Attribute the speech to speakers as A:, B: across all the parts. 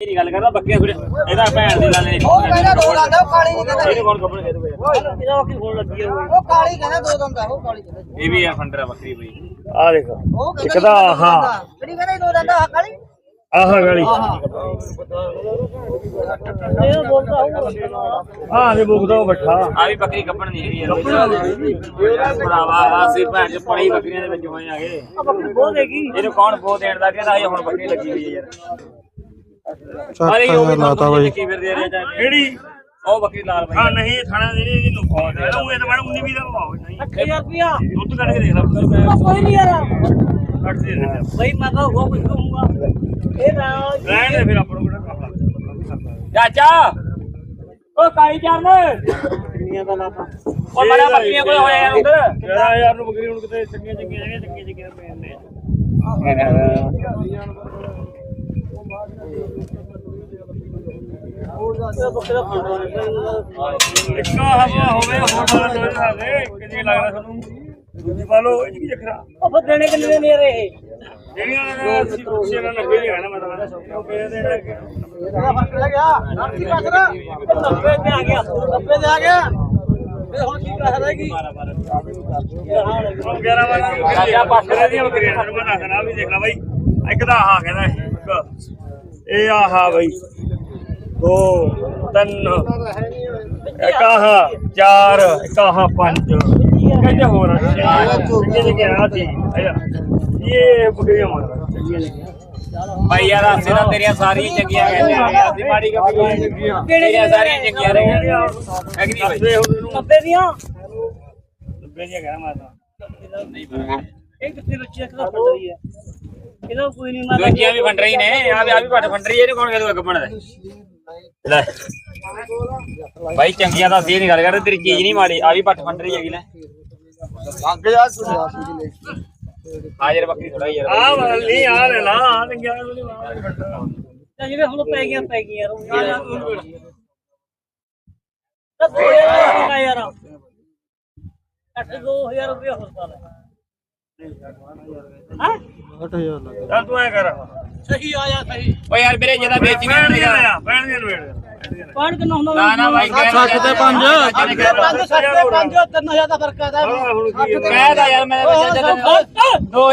A: ਨਹੀਂ ਗੱਲ ਕਰਦਾ ਬੱਕੀਆਂ ਥੋੜੇ ਇਹਦਾ ਭੈਣ ਦੇ ਲਾਲੇ
B: ਉਹ ਕਹਿੰਦਾ ਦੋ ਦੰਦ ਉਹ ਕਾਲੀ ਨਹੀਂ ਕਹਿੰਦਾ
A: ਇਹਨੂੰ ਕੌਣ ਕੱਪੜੇ ਦੇ ਦੂਗਾ
B: ਇਹਦਾ ਬੱਕਰੀ ਹੋਣ ਲੱਗੀ ਉਹ ਕਾਲੀ ਕਹਿੰਦਾ ਦੋ ਦੰਦ ਉਹ ਕਾਲੀ ਕਹਿੰਦਾ
A: ਇਹ ਵੀ ਆ ਫੰਡਰਾ ਬੱਕਰੀ ਬਈ
C: ਆ ਦੇਖੋ
B: ਉਹ
C: ਇੱਕ ਤਾਂ ਆਹ
B: ਕਿਹੜੀ ਕਹਿੰਦਾ ਦੋ ਦੰਦ ਆ ਕਾਲੀ
C: ਆਹ ਗਾਲੀ
B: ਇਹ ਬੋਲਦਾ ਹੋਊਗਾ
C: ਆਹ ਦੇ ਬੁੱਕਦਾ ਉਹ ਬੱਠਾ
A: ਆ ਵੀ ਬੱਕਰੀ ਕੱਪਣ ਨਹੀਂ ਹੈਗੀ ਯਾਰ ਭਰਾਵਾ ਆਸੀ ਭੈਣ ਚ ਪੜੀ ਬੱਕਰੀਆਂ ਦੇ ਵਿੱਚ ਹੋਏ ਆਗੇ
B: ਆ ਬੱਕਰੀ ਬਹੁਤ ਹੈਗੀ
A: ਇਹਨੂੰ ਕੌਣ ਬੋ ਦੇਣ ਦਾ ਕਹਿੰਦਾ ਇਹ ਹੁਣ ਬੱਕਰੀ ਲੱਗੀ ਹੋਈ ਹੈ ਯਾਰ
D: ਚੱਕ ਲਾਤਾ ਬਾਈ
A: ਕੀ ਫਿਰਦੇ ਰਹੇ ਜਾਂ
C: ਕਿਹੜੀ
A: ਉਹ ਬੱਕਰੀ ਲਾਲ
C: ਆ
A: ਬਈ
C: ਨਹੀਂ ਥਾਣਾ ਦੇ ਇਹਨੂੰ ਬਹੁਤ ਹੈ ਉਹ ਇਹ ਤਾਂ ਮੈਡਮ 19 20 ਦਾ ਭਾਅ ਨਹੀਂ
B: 8000 ਰੁਪਿਆ
C: ਦੁੱਧ ਕੱਢ ਕੇ ਦੇਖ ਲੈ
B: ਕੋਈ ਨਹੀਂ ਯਾਰ
C: ਕੱਢ ਦੇ ਦੇ
B: ਬਈ ਮੈਂ ਤਾਂ ਉਹ ਕੁਝ ਕਹੂੰਗਾ ਇਹ ਨਾ
C: ਰਹਿਣ ਦੇ ਫਿਰ ਆਪਾਂ ਨੂੰ ਕਿਹੜਾ ਕੰਮ ਲੱਗਦਾ
A: ਚਾਚਾ ਉਹ ਕਾਲੀ ਚਰਨ
B: ਦੁਨੀਆ ਦਾ ਲਾਪਾ
A: ਉਹ ਬੜਾ ਬੱਕਰੀਆਂ ਕੋਲ ਹੋਇਆ ਯਾਰ ਉਧਰ
C: ਯਾਰ ਯਾਰ ਨੂੰ ਬੱਕਰੀ ਹੁਣ ਕਿਤੇ ਚੰਗੀਆਂ ਚੰਗੀਆਂ ਜਗ੍ਹਾ ਚੰਗੀਆਂ ਚੰਗੀਆਂ ਪੈਂਦੇ
B: ਬੱਕਰਾ ਫੜਵਾ
C: ਇੱਕਾ ਹਵਾ ਹੋਵੇ ਹੋਰ ਵਾਲਾ ਦੋਏ ਹਾਲੇ ਕਿੰਨੀ ਲੱਗਦਾ ਤੁਹਾਨੂੰ ਦੂਜੀ ਪਾ ਲਓ ਇਹ ਕੀ ਚੱਕਰਾ
B: ਉਹ ਫਿਰ ਦੇਣੇ ਕਿੰਨੇ ਨੇ ਯਾਰ ਇਹ
C: ਜਿਹੜੀਆਂ ਨੇ ਸਿੱਖੇ ਨਾਲ ਲੱਗੇ ਨਹੀਂ ਨਾ ਮੈਂ ਤਾਂ ਉਹ ਪਏ ਦੇ
B: ਇਹਦਾ ਫਰਕ ਲੱਗ ਗਿਆ ਨਾ ਕੀ ਕਸਰਾ 90 ਤੇ ਆ ਗਿਆ 90 ਤੇ ਆ ਗਿਆ ਇਹ ਹੁਣ ਕੀ ਕਸਰਾ ਹੈਗੀ
C: 11 ਵਾਲਾ
A: ਚਾਚਾ ਪਾਸੇ
C: ਦੀਆਂ ਬੱਕਰੀਆਂ ਨੂੰ ਮੈਂ ਦੱਸਣਾ ਵੀ ਦੇਖ ਲੈ ਬਾਈ ਇੱਕ ਤਾਂ ਆਹ ਕਹਿੰਦਾ ਇਹ ਆਹ ਬਾਈ 2 3 ਇੱਕ ਆਹ 4 ਇੱਕ ਆਹ 5 ਕਹਿੰਦੇ ਹੋਰ ਕਿਹਦੇ ਗਿਆ ਸੀ ਇਹ ਬੱਕਰੀਆਂ ਮਾਰ
A: ਭਾਈ ਯਾਰ ਆਸੇ ਨਾਲ ਤੇਰੀਆਂ ਸਾਰੀਆਂ ਚੰਗੀਆਂ ਕਹਿੰਦੇ ਆ ਅਸੀਂ ਮਾੜੀ ਕੱਪੀ ਕਿਹੜੀਆਂ ਸਾਰੀਆਂ ਚੰਗੀਆਂ ਰਹੀਆਂ ਹੈ ਕਿ ਨਹੀਂ ਭਾਈ
B: 90 ਦੀਆਂ
C: ਲੱਭੇ ਦੀਆਂ ਕਹਿਣਾ ਮੈਂ ਤਾਂ
A: ਨਹੀਂ ਭਾਈ
B: ਇਹ ਕਿੱਥੇ ਬੱਚੀ ਦਾ ਫੜ ਰਹੀ ਹੈ ਇਹਦਾ ਕੋਈ ਨਹੀਂ ਮਾਰਦਾ
A: ਦੂਜੀਆਂ ਵੀ ਫੰਡ ਰਹੀ ਨੇ ਆ ਵੀ ਪੱਟ ਫੰਡ ਰਹੀ ਇਹਨੂੰ ਕੌਣ ਕਹਦੂਗਾ ਕੱਪਣ ਦਾ ਲੈ ਭਾਈ ਚੰਗੀਆਂ ਤਾਂ ਅਸੀਂ ਨਹੀਂ ਗੱਲ ਕਰਦੇ ਤੇਰੀ ਚੀਜ਼ ਨਹੀਂ ਮਾੜੀ ਆ ਵੀ ਪੱਟ ਫੰਡ ਰਹੀ ਹੈਗੀ ਲੈ ਹਾਜ਼ਰ ਬੱਕਰੀ ਥੋੜਾ ਯਾਰ
C: ਆਹ ਵਾਲ ਨਹੀਂ ਆ ਲੈ ਲਾ ਆ ਤੇ ਗਿਆ ਨਹੀਂ ਮਾਰ
B: ਤਾਂ ਜਿਹੜੇ ਹੁਣ ਪੈ ਗਈਆਂ ਯਾਰ ਤਾਂ 2000 ਯਾਰ 2000 ਰੁਪਏ ਹੋਰ ਪਾ ਲੈ ਹਾਂ
D: 8000 ਲੱਗ
C: ਚੱਲ ਤੂੰ ਐ ਕਰ
B: ਸਹੀ ਆਇਆ ਸਹੀ
A: ਓ ਯਾਰ ਵੀਰੇ ਜਿਹਦਾ ਵੇਚੀ
C: ਬੈਣ ਦੀਆਂ
A: ਨਹੀਂ
C: ਲਿਆ ਬੈਣ ਦੀਆਂ ਵੇੜ
B: ਪਾਣ ਕਿੰਨਾ ਹੁੰਦਾ
A: ਨਾ ਨਾ ਭਾਈ
D: 60 ਤੇ 5
B: 5 60 5 3000 ਦਾ ਫਰਕ ਆਦਾ
C: ਹੁਣ ਕੀ
A: ਕਹਿਦਾ ਯਾਰ ਮੈਂ ਦੋ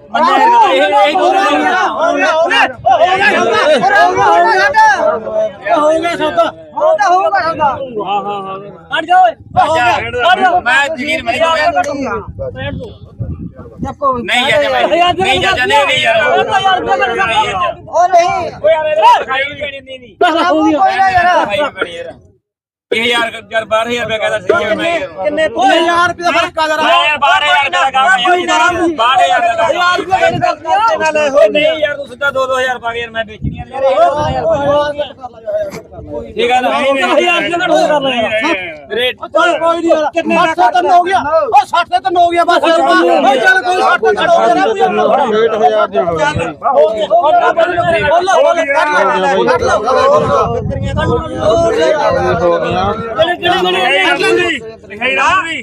B: ਹਟ ਜਾ ਓਏ
A: ਮੈਂ ਜ਼ਮੀਨ ਮਰੀ ਹੋ ਗਿਆ ਨਹੀਂ ਯਾਰ ਨਹੀਂ ਚਾਚਾ ਨਹੀਂ ਯਾਰ
B: ਉਹ ਨਹੀਂ
A: ਓ ਯਾਰ ਇਹ ਖਾਈ ਪੈਣੀ ਨਹੀਂ
B: ਕੋਈ ਨਾ ਯਾਰ
A: ਇਹ ਯਾਰ 12000 ਰੁਪਏ ਕਹਿੰਦਾ ਸਹੀ ਹੈ ਮੈਂ
B: ਕਿੰਨੇ 2000 ਰੁਪਏ ਦਾ ਫਰਕ ਆ
A: ਮੈਂ ਯਾਰ 12000 ਦਾ ਕੰਮ ਯਾਰ 12000 ਦਾ ਕੰਮ ਓ ਨਹੀਂ ਯਾਰ ਤੂੰ ਸਿੱਧਾ 2-2000 ਪਾ ਕੇ ਯਾਰ ਮੈਂ ਵੇਚਣੀਆਂ ਠੀਕ ਹੈ ਨਾ
B: 1000 ਰੁਪਏ ਘੱਟ ਕਰ ਲੈ
A: ਰੇਟ
B: ਕੋਈ ਨਹੀਂ ਯਾਰ ਕਿੰਨੇ 60 ਤੇ ਹੋ ਗਿਆ ਉਹ 60 ਤੇ ਹੋ ਗਿਆ ਬਸ ਓ ਚੱਲ ਕੋਈ 60 ਤੇ ਹੋ ਗਿਆ
D: 6000 ਦੇ ਹੋ ਗਏ ਹੋ ਗਿਆ
C: ਲਿਖਾਈ ਰਾਮੀ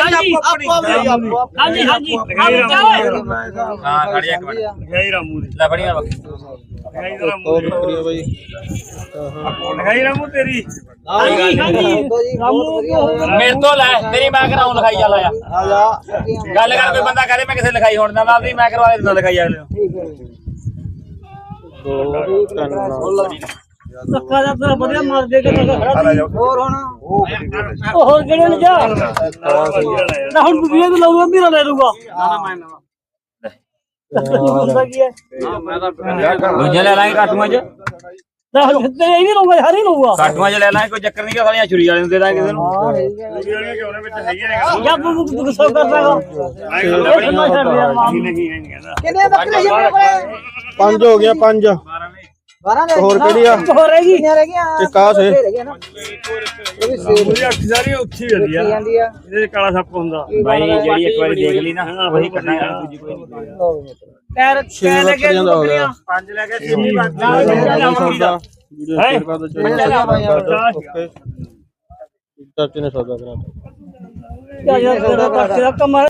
B: ਹਾਂਜੀ ਹਾਂਜੀ
A: ਹਾਂ ਖੜੀ ਇੱਕ ਮਿੰਟ
C: ਲਿਖਾਈ ਰਾਮੂ ਦੀ
A: ਲੈ ਫੜੀ ਨਾ ਬੱਕਰੀ
C: ਲਿਖਾਈ ਰਾਮੂ
D: ਉਹ
C: ਦੀ
D: ਬੱਕਰੀ ਆ ਬਾਈ
C: ਲਿਖਾਈ ਰਾਮੂ ਤੇਰੀ
B: ਹਾਂਜੀ ਹਾਂਜੀ
A: ਮੇਰੇ ਤੋਂ ਲੈ ਤੇਰੀ ਮੈਂ ਕਰਾਉਂ ਲਿਖਾਈ ਚੱਲ ਆ ਗੱਲ ਕਰ ਕੋਈ ਬੰਦਾ ਕਹਦੇ ਮੈਂ ਕਿਸੇ ਲਿਖਾਈ ਹੋਣ ਦਾ ਆਪਦੀ ਮੈਂ ਕਰਵਾ ਦਿੰਦਾ ਲਿਖਾਈ ਅਗਲੇ ਨੂੰ
D: 2 3
B: ਧੱਕਾ ਦਾ ਤੇਰਾ ਵਧੀਆ ਮਾਰ ਦੇ ਕੇ ਖੜਾ
C: ਹੋਰ ਹੁਣ
B: ਉਹ ਹੋਰ ਕਿਹੜੇ ਨੇ ਜਾ ਨਾ ਹੁਣ ਵੀਡੀਓ ਤੇ ਲਾਉਂਗਾ ਮੇਰਾ ਲੈ ਲੂਗਾ ਹੁੰਦਾ ਕੀ ਹੈ
A: ਦੂਜੇ ਲੈ ਲਾਂਗੇ ਕਾਟੂਆਂ 'ਚ
B: ਨਾ ਤੇ ਇਹ ਨਹੀਂ ਲਊਗਾ ਹਰ ਹੀ ਲਊਗਾ
A: ਕਾਟੂਆਂ 'ਚ ਲੈ ਲਾਂਗੇ ਕੋਈ ਚੱਕਰ ਨਹੀਂ ਕਿ ਸਾਲੀਆਂ ਛੁਰੀ ਵਾਲੇ ਨੂੰ ਦੇ ਦਾਂਗੇ ਕਿਸੇ ਨੂੰ
C: ਵੀਡੀਓ ਕਿਉਂ ਨੇ ਵਿੱਚ ਹੈਗੀਆਂ ਨੇ
B: ਜਾਂ ਤੂੰ ਗੁੱਸਾ ਕਰਦਾਗਾ
C: ਨਹੀਂ ਕਹਿੰਦਾ
B: ਕਿੰਨੇ ਬੱਕਰੇ ਆਪਣੇ ਕੋਲੇ
D: 5 ਹੋ ਗਿਆ 5
B: 12 ਨੇ
D: ਹੋਰ ਕਿਹੜੀ ਆ
B: ਹੋਰ ਰਹਿ ਗਈ ਕਿੰਨੀਆਂ ਰਹਿ ਗਈਆਂ
D: ਇੱਕ ਆਹ ਸੇ
C: ਉਹਦੀ ਅੱਖ ਸਾਰੀ ਉੱਚੀ ਹੁੰਦੀ ਆ ਇਹਦੇ 'ਚ ਕਾਲਾ ਸੱਪ ਹੁੰਦਾ
A: ਭਾਈ ਜਿਹੜੀ ਇੱਕ ਵਾਰੀ ਦੇਖ ਲਈ ਨਾ ਉਹੀ ਕਰਨਾ ਹੈ ਦੂਜੀ ਕੋਈ ਨਹੀਂ
B: ਪੈਰ
D: ਛੇ ਬੱਕਰੀਆਂ ਦਾ ਹੋ ਗਿਆ
C: 5 ਲੈ ਕੇ 6 ਬੰਦਾ
D: ਸੌਦਾ ਵੀਡੀਓ ਸ਼ੇਅਰ ਕਰ ਦਿਓ ਓਕੇ ਚਾਚੇ ਨੇ ਸੌਦਾ ਕਰਾਤਾ
B: ਯਾਰ ਤੇਰਾ ਕੰਮ